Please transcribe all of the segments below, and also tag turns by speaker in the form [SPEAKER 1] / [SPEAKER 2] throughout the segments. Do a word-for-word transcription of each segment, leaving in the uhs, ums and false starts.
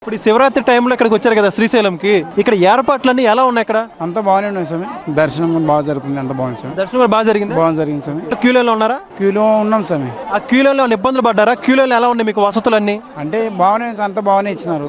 [SPEAKER 1] ఇప్పుడు శివరాత్రి టైంలో ఇక్కడికి వచ్చారు కదా శ్రీశైలంకి, ఇక్కడ ఏర్పాట్లన్నీ ఎలా ఉన్నాయి? ఇక్కడ
[SPEAKER 2] అంత బాగానే ఉన్నాయి స్వామి. దర్శనం బాగా జరుగుతుంది, అంత బాగుంది స్వామి.
[SPEAKER 1] దర్శనం బాగా జరిగింది
[SPEAKER 2] బాగా జరిగింది స్వామి.
[SPEAKER 1] క్యూలో ఉన్నారా?
[SPEAKER 2] క్యూలో ఉన్నాం స్వామి.
[SPEAKER 1] ఆ క్యూలో ఇబ్బందులు పడ్డారా? క్యూలో ఎలా ఉన్నాయి మీకు వసతులన్నీ?
[SPEAKER 2] అంటే బాగానే అంత బాగానే ఇచ్చినారు.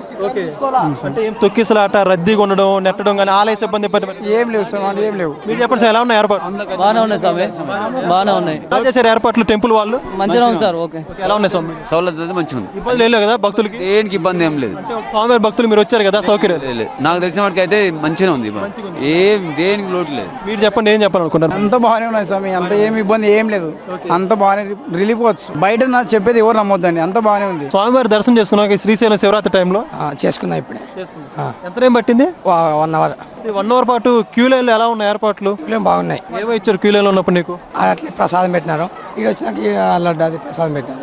[SPEAKER 1] అంటే ఏం తొక్కిసలాట, రద్దీగా ఉండడం, నెట్టడం కానీ ఆలయ సిబ్బంది ఇబ్బంది
[SPEAKER 2] ఏం లేవు స్వామి, అంటే ఏం లేవు.
[SPEAKER 1] మీరు చెప్పండి సార్, ఎలా ఉన్నాయి ఏర్పాటు?
[SPEAKER 3] బాగానే ఉన్నాయి స్వామి, బాగానే ఉన్నాయి.
[SPEAKER 1] ఎలా చేశారు ఏర్పాట్లు టెంపుల్ వాళ్ళు?
[SPEAKER 3] మంచిగా ఉంది సార్. ఓకే,
[SPEAKER 1] ఎలా ఉన్నాయి స్వామి?
[SPEAKER 4] సౌలభ్యం మంచిగా ఉంది,
[SPEAKER 1] ఇబ్బంది లేదు కదా భక్తులకి?
[SPEAKER 4] దేనికి ఇబ్బంది ఏం లేదు.
[SPEAKER 1] అంటే స్వామివారి భక్తులు మీరు వచ్చారు కదా, సౌకర్యం
[SPEAKER 4] నాకు తెలిసిన వాటికి అయితే మంచిగా ఉంది, ఏం దేనికి లోటు లేదు.
[SPEAKER 1] మీరు చెప్పండి, ఏం చెప్పాలనుకుంటారు?
[SPEAKER 2] అంత బాగానే ఉన్నాయి స్వామి, అంత ఏమి ఇబ్బంది ఏం లేదు, అంత బాగానే రిలీఫ్ వచ్చు. బయట నాకు చెప్పేది ఎవరు నమ్మొద్దండి, అంత బాగానే ఉంది.
[SPEAKER 1] స్వామివారి దర్శనం చేసుకున్నాక శ్రీశైలం శివరాత్రి టైంలో
[SPEAKER 2] చేసుకున్నా ఇప్పుడే.
[SPEAKER 1] ఎంత టైం పట్టింది?
[SPEAKER 2] వన్ అవర్
[SPEAKER 1] వన్ అవర్ పాటు క్యూ లైన్ ఎలా ఉన్నాయి ఏర్పాట్లు?
[SPEAKER 2] బాగున్నాయి.
[SPEAKER 1] ఏమో ఇచ్చారు క్యూ లైన్ లో ఉన్నప్పుడు నీకు?
[SPEAKER 2] అట్లే ప్రసాదం పెట్టినారు, ఇక వచ్చినాక లడ్డు అది ప్రసాదం పెట్టినారు,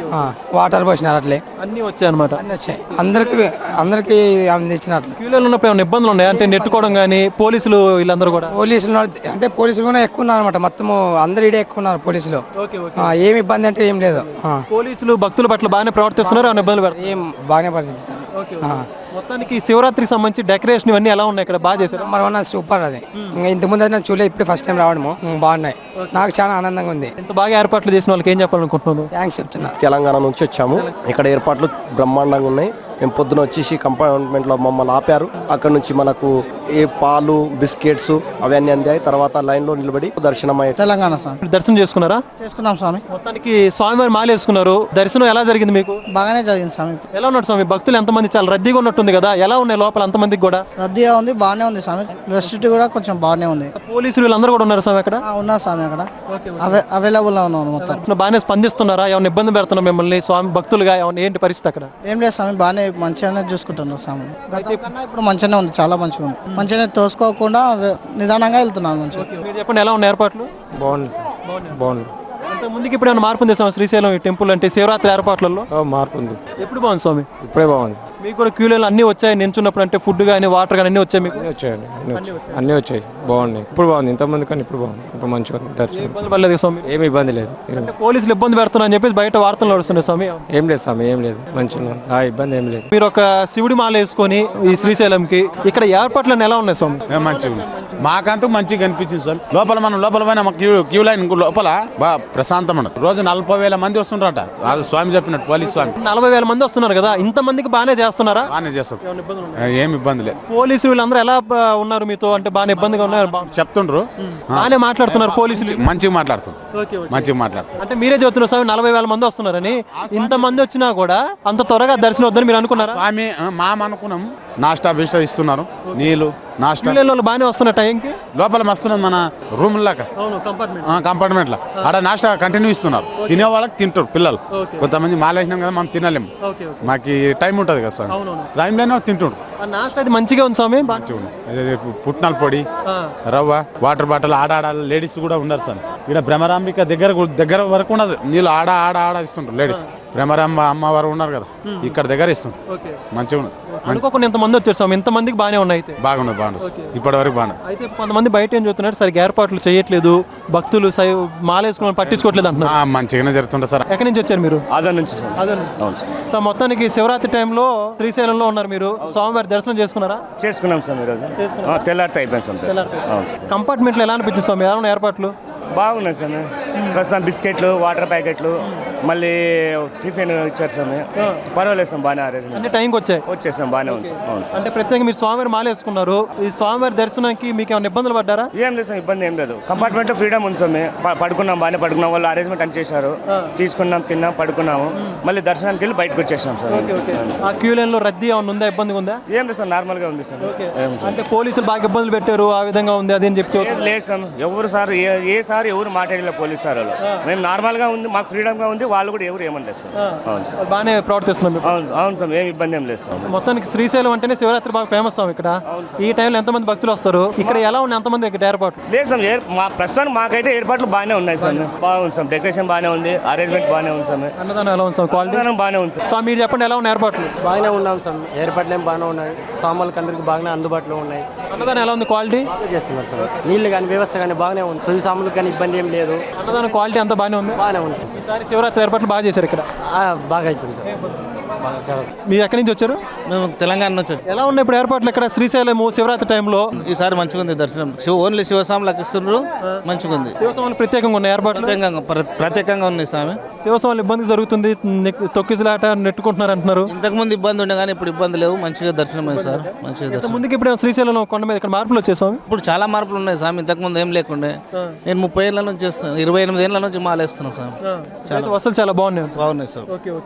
[SPEAKER 2] వాటర్ పోసినారు, అట్లే
[SPEAKER 1] అన్ని వచ్చాయి అనమాట.
[SPEAKER 2] అన్ని వచ్చాయి, అందరికి అందరికి అందించినట్లు.
[SPEAKER 1] క్యూ లైన్ ఉన్నప్పుడు ఏమైనా ఇబ్బందులు ఉన్నాయి అంటే నెట్టుకోవడం కానీ? పోలీసులు వీళ్ళందరూ కూడా
[SPEAKER 2] పోలీసులు అంటే పోలీసులు కూడా ఎక్కువ ఉన్నారు అనమాట, మొత్తం అందరు ఇడే ఎక్కువ ఉన్నారు పోలీసులు. ఏమి ఇబ్బంది అంటే ఏం లేదు.
[SPEAKER 1] పోలీసులు భక్తుల పట్ల బాగానే ప్రవర్తిస్తున్నారు, ఏమైనా ఇబ్బందులు పెడతారు?
[SPEAKER 2] ఏం బాగానే పరిస్థితున్నారు.
[SPEAKER 1] మొత్తానికి శివరాత్రికి సంబంధించి డెకరేషన్ ఇవన్నీ ఎలా ఉన్నాయి ఇక్కడ? బాగా చేశారు.
[SPEAKER 2] Number one, super. అది ఇంకా ఇంత ముందు అయితే చూడలేదు, ఇప్పుడు ఫస్ట్ టైం రావడము బాగున్నాయి, నాకు చాలా ఆనందంగా ఉంది.
[SPEAKER 1] ఇంత బాగా ఏర్పాట్లు చేసిన వాళ్ళకి ఏం చెప్పాలనుకుంటున్నాను?
[SPEAKER 2] థ్యాంక్స్ చెప్తున్నా.
[SPEAKER 5] తెలంగాణ నుంచి వచ్చాము, ఇక్కడ ఏర్పాట్లు బ్రహ్మాండంగా ఉన్నాయి. మేము పొద్దున వచ్చేసి కంపార్ట్మెంట్లో మమ్మల్ని ఆపారు, అక్కడ నుంచి మనకు ఏ పాలు బిస్కెట్స్ అవన్నీ అందాయి. తర్వాత లైన్ లో నిలబడి దర్శనం అయ్యారు.
[SPEAKER 2] తెలంగాణ స్వామి
[SPEAKER 1] దర్శనం చేసుకున్నారా?
[SPEAKER 2] చేసుకున్నాం స్వామి.
[SPEAKER 1] మొత్తానికి స్వామివారి మాల వేసుకున్నారు, దర్శనం ఎలా జరిగింది మీకు?
[SPEAKER 2] బాగానే జరిగింది స్వామి.
[SPEAKER 1] ఎలా ఉన్నాడు స్వామి? భక్తులు ఎంతమంది? చాలా రద్దీగా ఉన్నట్టుంది కదా, ఎలా ఉన్నాయి లోపల అంతమందికి కూడా?
[SPEAKER 2] రద్దీగా ఉంది, బాగానే ఉంది స్వామి. రెస్ట్రిక్ట్ కూడా కొంచెం బాగానే ఉంది.
[SPEAKER 1] పోలీసులు వీళ్ళందరూ కూడా ఉన్నారు స్వామి అక్కడ?
[SPEAKER 2] ఉన్నారు స్వామి, అక్కడ అవైలబుల్ గా ఉన్నాను మొత్తం.
[SPEAKER 1] బాగానే స్పందిస్తున్నారా? ఏమైనా ఇబ్బంది పెడుతున్నా మిమ్మల్ని స్వామి భక్తులుగా? ఏమైనా ఏంటి పరిస్థితి అక్కడ?
[SPEAKER 2] ఏం లేదు స్వామి, బాగానే మంచిగానే చూసుకుంటున్నారు స్వామి. కన్నా ఇప్పుడు మంచిగానే ఉంది, చాలా మంచిగా ఉంది. మంచిగానే తోసుకోకుండా నిదానంగా వెళ్తున్నాను. మంచిగా.
[SPEAKER 1] మీరు చెప్పండి, ఎలా ఉన్నాయి ఏర్పాట్లు?
[SPEAKER 5] బాగుంది బాగుంది.
[SPEAKER 1] అంటే ముందుకి ఇప్పుడు ఏమైనా మార్పు ఉంది స్వామి శ్రీశైలం ఈ టెంపుల్ అంటే శివరాత్రి ఏర్పాట్లలో?
[SPEAKER 5] మార్పు ఉంది.
[SPEAKER 1] ఎప్పుడు బాగుంది స్వామి?
[SPEAKER 5] ఇప్పుడే బాగుంది.
[SPEAKER 1] మీకు కూడా క్యూ లైన్ అన్ని వచ్చాయి నించున్నప్పుడు? అంటే ఫుడ్ కానీ వాటర్ కానీ అన్ని వచ్చాయి మీకు?
[SPEAKER 5] వచ్చాయండి, అన్ని వచ్చాయి, బాగున్నాయి. ఇప్పుడు బాగుంది, ఇంతమంది కానీ ఇప్పుడు బాగుంది, ఇప్పుడు మంచిగా ఉంది దర్శనం.
[SPEAKER 1] ఇబ్బంది పడలేదు స్వామి?
[SPEAKER 5] ఏమి ఇబ్బంది లేదు.
[SPEAKER 1] అంటే పోలీసులు ఇబ్బంది పెడుతున్నా అని చెప్పేసి బయట వార్తలు నడుస్తున్నాయి స్వామి.
[SPEAKER 5] ఏం లేదు స్వామి, ఏం లేదు, మంచిగా ఆ ఇబ్బంది ఏం లేదు.
[SPEAKER 1] మీరు ఒక శివుడి మాల వేసుకొని ఈ శ్రీశైలంకి ఇక్కడ ఏర్పాట్లను ఎలా ఉన్నాయి స్వామి?
[SPEAKER 6] మంచిగా ఉంది, మాకంటూ మంచిగా కనిపించింది స్వామి. లోపల మనం లోపల పోయినా క్యూ క్యూ లైన్ లోపల బాగా ప్రశాంతం ఉండదు. రోజు నలభై వేల మంది వస్తుంటారట, అది స్వామి చెప్పినట్టు పోలీస్ స్వామి.
[SPEAKER 1] నలభై వేల మంది వస్తున్నారు కదా, ఇంత మందికి బాగానే చేస్తున్నారా?
[SPEAKER 6] బాగానే చేస్తాం, ఏమి ఇబ్బంది లేదు.
[SPEAKER 1] పోలీసులు వీళ్ళందరూ ఎలా బ- ఉన్నారు మీతో? అంటే బాగానే ఇబ్బందిగా ఉన్నారు? బా-
[SPEAKER 6] చెప్తుండ్రు,
[SPEAKER 1] బాగానే మాట్లాడుతున్నారు పోలీసులు?
[SPEAKER 6] మంచిగా మాట్లాడుతాం, మంచిగా మాట్లాడుతాం.
[SPEAKER 1] అంటే మీరే చెబుతున్నారు స్వామి నలభై వేల మంది వస్తున్నారని, ఇంత మంది వచ్చినా కూడా అంత త్వరగా దర్శనం వద్దని మీరు అనుకున్నారా?
[SPEAKER 6] స్వామి మా అనుకున్నాం, నాస్టా బిస్టా ఇస్తున్నారు, నీళ్లు నాస్టా.
[SPEAKER 1] క్యూ లైన్ వాళ్ళు బాగానే వస్తున్న టైంకి
[SPEAKER 6] లోపల మస్తున్నది మన రూమ్ లాగా కంపార్ట్మెంట్ లా, ఆడ నాస్టా కంటిన్యూ ఇస్తున్నారు. తినే వాళ్ళకి తింటారు పిల్లలు. కొంతమంది మాలేసినాం కదా, మనం తినలేము, మాకు టైం ఉంటుంది కదా స్వామి, టైంలోనే తింటుండ్రు.
[SPEAKER 1] నాస్ట్ అది మంచిగా ఉంది స్వామి. బా-
[SPEAKER 6] మంచిగా ఉంది. అదే పుట్నాల పొడి, రవ్వ, వాటర్ బాటిల్, ఆడ ఆడ లేడీస్ కూడా ఉన్నారు సార్. ఇక్కడ భ్రమరాంబిక దగ్గర దగ్గర వరకు ఉన్నది నీళ్ళు, ఆడ ఆడ ఆడ ఇస్తుంటారు లేడీస్. భ్రమరాంబ అమ్మవారు ఉన్నారు కదా, ఇక్కడ దగ్గర ఇస్తుంటారు, మంచిగా ఉన్నది.
[SPEAKER 1] అనుకోకుండా ఇంతమంది వచ్చారు స్వామి, ఇంత మందికి బాగానే ఉన్నాయి అయితే?
[SPEAKER 6] బాగున్నది, బాగున్నది, ఇప్పటి వరకు బాగున్నది.
[SPEAKER 1] అయితే కొంతమంది బయట ఏం చూస్తున్నారు, సరిగ్గా ఏర్పాట్లు చేయట్లేదు, భక్తులు సై మాలేసుకుని పట్టించుకోవట్లేదు అంటున్నారు.
[SPEAKER 6] ఆ, మంచిగానే జరుగుతుంటుంది సార్.
[SPEAKER 1] ఎక్కడి నుంచి వచ్చారు మీరు?
[SPEAKER 3] ఆజాద్ నుంచి.
[SPEAKER 1] అదే సో మొత్తానికి శివరాత్రి టైంలో శ్రీశైలంలో ఉన్నారు మీరు, స్వామివారి దర్శనం చేసుకున్నారా?
[SPEAKER 3] చేసుకున్నాం సార్ ఈరోజు, తెల్లారితే అయిపోయింది సార్. అవును సార్.
[SPEAKER 1] కంపార్ట్మెంట్లో ఎలా అనిపించింది స్వామి? ఎలా ఉన్నాయి ఏర్పాట్లు?
[SPEAKER 3] బాగున్నాయి స్వామి. ప్రస్తుతం బిస్కెట్లు, వాటర్ ప్యాకెట్లు, మళ్ళీ టిఫిన్ ఇచ్చారు స్వామి. పర్వాలేదు స్వామి, బాగానే అరేంజ్మెంట్.
[SPEAKER 1] అన్ని టైంకి వచ్చాయి?
[SPEAKER 3] వచ్చేసాం, బాగానే ఉంది సార్. అవును సార్.
[SPEAKER 1] అంటే ప్రత్యేకంగా మీరు స్వామివారి మాల వేసుకున్నారు, ఈ స్వామివారి దర్శనానికి మీకు ఏమైనా ఇబ్బందులు పడ్డారా?
[SPEAKER 3] ఏం లేదు సార్, ఇబ్బంది ఏం లేదు. కంపార్ట్మెంట్ లో ఫ్రీడమ్ ఉంది స్వామి. ప- పడుకున్నాం, బాగానే పడుకున్నాం, వాళ్ళు అరేంజ్మెంట్ అని చేశారు. తీసుకున్నాం, తిన్నాం, పడుకున్నాము, మళ్ళీ దర్శనానికి వెళ్ళి బయటకు వచ్చేసాం సార్.
[SPEAKER 1] ఆ క్యూ లైన్ లో రద్దీ ఏమైనా ఉందా, ఇబ్బందిగా ఉందా?
[SPEAKER 3] ఏం లేదు సార్, నార్మల్ గా ఉంది సార్. ఏం సార్.
[SPEAKER 1] అంటే పోలీసులు బాగా ఇబ్బందులు పెట్టారు, ఆ విధంగా ఉంది అది అని చెప్పి
[SPEAKER 3] ఏం లేదు సార్, ఎవరు సార్ ఏ- ఏ సార్ ఎవరు మాట్లాడలేదు పోలీస్ సార్ వాళ్ళు. మేము నార్మల్ గా ఉంది, మాకు ఫ్రీడమ్ గా ఉంది, వాళ్ళు కూడా ఎవరు ఏమనలేదు సార్. అవును సార్,
[SPEAKER 1] బాగానే ప్రవర్తిస్తున్నాం మీరు.
[SPEAKER 3] అవును అవును సార్, ఏం ఇబ్బంది ఏం లేదు సార్.
[SPEAKER 1] మొత్తానికి శ్రీశైలం అంటేనే శివరాత్రి బాగా ఫేమస్ స్వామి. ఇక్కడ ఈ టైంలో ఎంతమంది భక్తులు వస్తారు, ఇక్కడ ఎలా ఉన్నాయి ఎంతమంది ఇక్కడ ఏర్పాటు?
[SPEAKER 3] లేదు సార్, ఏ- మా ప్రస్తుతానికి మాకైతే ఏర్పాట్లు బాగానే ఉన్నాయి సార్. బాగుంది సార్, డెకరేషన్ బాగానే ఉంది, అరేంజ్మెంట్ బాగానే ఉంది సార్.
[SPEAKER 1] అన్నదానం ఎలా ఉంది స్వామి? క్వాలిటీ
[SPEAKER 3] అన్నదానం బాగానే ఉంది సార్.
[SPEAKER 1] స్వామి మీరు చెప్పండి, ఎలా ఉన్నాయి ఏర్పాట్లు?
[SPEAKER 7] బాగానే ఉన్నాం సార్, ఏర్పాట్లు ఏం బాగానే ఉన్నాయి, సామాన్లకు అందరికి బాగానే అందుబాటులో ఉన్నాయి.
[SPEAKER 1] అన్నదానం ఎలా ఉంది క్వాలిటీ?
[SPEAKER 7] బాగా చేస్తున్నారు సార్, నీళ్ళు కానీ వ్యవస్థ కానీ బాగానే ఉంది, సువి సామాన్లకు కానీ ఇబ్బంది ఏం లేదు,
[SPEAKER 1] అన్నదానం క్వాలిటీ అంతా బాగానే ఉంది.
[SPEAKER 7] బాగానే ఉంది సార్.
[SPEAKER 1] ఈసారి శివరాత్రి ఏర్పాట్లు బాగా చేశారు ఇక్కడ.
[SPEAKER 7] ఆ, బాగా అవుతుంది సార్, బాగా జరుగుతుంది.
[SPEAKER 1] మీరు ఎక్కడి నుంచి వచ్చారు?
[SPEAKER 8] మేము తెలంగాణ నుంచి వచ్చాం.
[SPEAKER 1] ఎలా ఉన్నాయి ఇప్పుడు ఏర్పాట్లు ఇక్కడ శ్రీశైలం శివరాత్రి టైంలో?
[SPEAKER 8] ఈసారి మంచిగా ఉంది దర్శనం. శివ ఓన్లీ శివస్వాములకు ఇస్తున్నారు, మంచిగా ఉంది.
[SPEAKER 1] శివస్వాములు ప్రత్యేకంగా ఉన్నాయి ఏర్పాట్లు?
[SPEAKER 8] ప్రత్యేకంగా ప్ర- ప్రత్యేకంగా ఉంది స్వామి.
[SPEAKER 1] శివస్వాములు ఇబ్బంది జరుగుతుంది, నెక్- తొక్కిసలాట నెట్టుకుంటున్నారు అంటున్నారు.
[SPEAKER 8] ఇంతకు ముందు ఇబ్బంది ఉండే కానీ ఇప్పుడు ఇబ్బంది లేవు, మంచిగా దర్శనం అయింది సార్. మంచిగా దర్శనం.
[SPEAKER 1] ముందుకి ఇప్పుడు శ్రీశైలం కొండ మీద ఇక్కడ మార్పులు వచ్చేసాం.
[SPEAKER 8] ఇప్పుడు చాలా మార్పులు ఉన్నాయి స్వామి. ఇంతకు ముందు ఏం లేకుండే. నేను ముప్పై ఏళ్ళ నుంచి చేస్తాను, ఇరవై ఎనిమిది ఏళ్ళ నుంచి మాలేస్తున్నాను స్వామి.
[SPEAKER 1] వసూలు చాలా బాగున్నాయి.
[SPEAKER 8] బాగున్నాయి సార్.
[SPEAKER 1] ఓకే.